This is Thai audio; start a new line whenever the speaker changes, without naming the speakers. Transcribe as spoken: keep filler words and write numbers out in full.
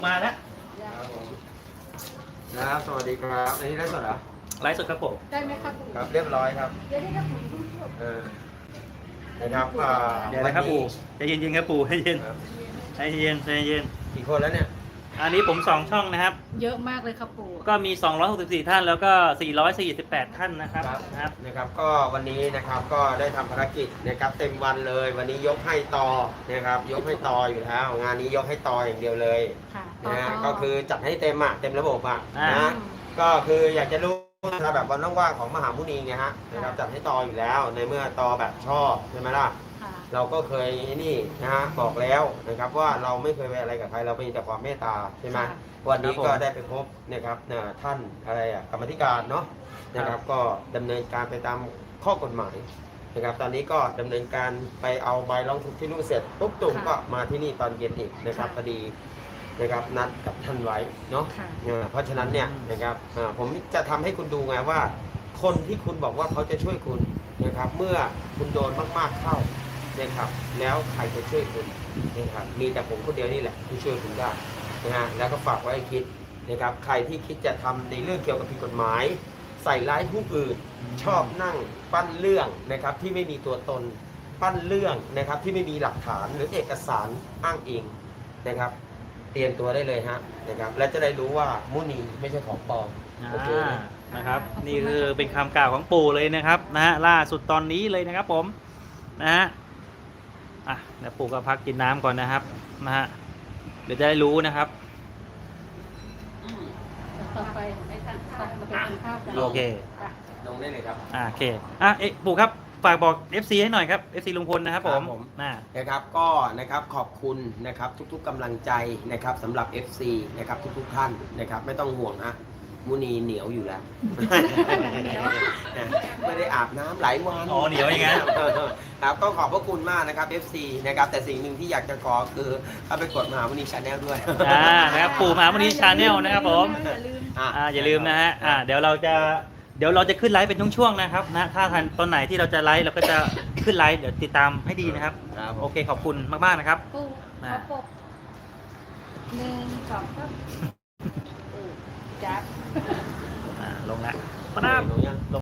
มาแล้ว
ครับผมนะครับสวัสดีครับอันนี้ไลฟ์สดเหรอ
ไลฟ์สดครับผม
ได้ไหมครับ
ครับเรียบร้อยครับ
เดี๋ยวได้ครับผม
เออนะครับอ่า
เดี๋ยวนะครับปู่ใจเย็นๆครับปู่ใจเย็น
ครับ
ใจเย็นใจเย็น
กี่คนแล้วเนี่ย
อันนี้ผมสองช่องนะครับ
เยอะมากเลยครับปู่
ก็มีสองร้อยหกสิบสี่ท่านแล้วก็สี่ร้อยสี่สิบแปดท่านนะครับนะครับ
นะครับก็วันนี้นะครับก็ได้ทำภารกิจนะครับเต็มวันเลย วันนี้ยกให้ต่อนะครับยกให้ต่ออยู่แล้วงานนี้ยกให้ต่ออย่างเดียวเลย
ค่ะ
นะฮะก็คือจัดให้เต็มอ่ะเต็มระบบอ่ะ
อ่าน
นะก็คืออยากจะรู้นะแบบวันว่างๆของมหามุนีไงฮะนะครับจัดให้ต่ออยู่แล้วในเมื่อต่อแบบชอบใช่ไหมล่ะ
ค่ะ
เราก็เคยนี่นะฮะบอกแล้วนะครับว่าเราไม่เคยไปอะไรกับใครเราเป็นแต่ความเมตตาใช่ไหมวันนี้ก็ได้ไปพบนะครับท่านอะไรอ่ะกรรมธิการเนาะนะครับก็ดำเนินการไปตามข้อกฎหมายนะครับตอนนี้ก็ดำเนินการไปเอาใบร้องทุกข์ที่นู่นเสร็จปุ๊บตุ่มก็มาที่นี่ตอนเย็นอีกนะครับพอดีนะครับนัดกับท่านไว้เนาะเพราะฉะนั้นเนี่ยนะครับผมจะทำให้คุณดูไงว่า คนที่คุณบอกว่าเขาจะช่วยคุณนะครับเมื่อคุณโดนมากๆเข้านะครับแล้วใครจะช่วยคุณนะครับมีแต่ผมคนเดียวนี่แหละที่ช่วยคุณได้นะฮะแล้วก็ฝากไว้ให้คิดนะครับใครที่คิดจะทำในเรื่องเกี่ยวกับผิดกฎหมาย ใส่ร้ายผู้อื่นชอบนั่งปั้นเรื่องนะครับที่ไม่มีตัวตนปั้นเรื่องนะครับที่ไม่มีหลักฐานหรือเอกสารอ้างอิงนะครับเตรียมตัวได้เลยฮะนะครับและจะได้รู้ว่ามุนีไม่ใช่ของปลอมโอเค
อ่านะครับนี่คือเป็นคำกล่าวของปู่เลยนะครับนะฮะล่าสุดตอนนี้เลยนะครับผมนะฮะอ่ะเดี๋ยวปู่ก็พักกินน้ำก่อนนะครับนะฮะเดี๋ยวจะได้รู้นะครับ
ต่อไปไปทานข้าวเราไปทานข้าวกัน
โอเค
ค่ะ
ลงได้เลยครับ
อ่าโอเคอ่ะเอ๊ะปู่ครับฝากบอก เอฟ ซี ให้หน่อยครับ เอฟ ซี ลุงพลนะครับผม
ครับผม
น่า
นะครับก็นะครับขอบคุณนะครับทุกๆกำลังใจนะครับสำหรับ เอฟ ซี นะครับทุกๆท่านนะครับไม่ต้องห่วงนะมุนีเหนียวอยู่แล้ว ไม่ได้อาบน้ำหลายวัน
อ๋อเหนียวอย่างงั้น
ครับก็ขอบพระคุณมากนะครับ เอฟ ซี นะครับแต่สิ่งหนึ่งที่อยากจะขอคือเข้าไปกดมหามุนีชาแนลด้วย
อ่านะครับปู่มหามุนีชาแนลนะครับผม
อย่าลืม
อ่ะ
อ่าอย่าลืมนะฮะอ่าเดี๋ยวเราจะเดี๋ยวเราจะขึ้นไลฟ์เป็นช่วงๆนะครับนะถ้าทันตอนไหนที่เราจะไลฟ์เราก็จะขึ้นไลฟ์เดี๋ยวติดตามให้ดีนะครับ
ครับผม
โอเคขอบคุณมากๆนะครับ
ปู่ขอปกหนึ่งสองสามเออจับ
อ่าลงแล้ว
ลงยัง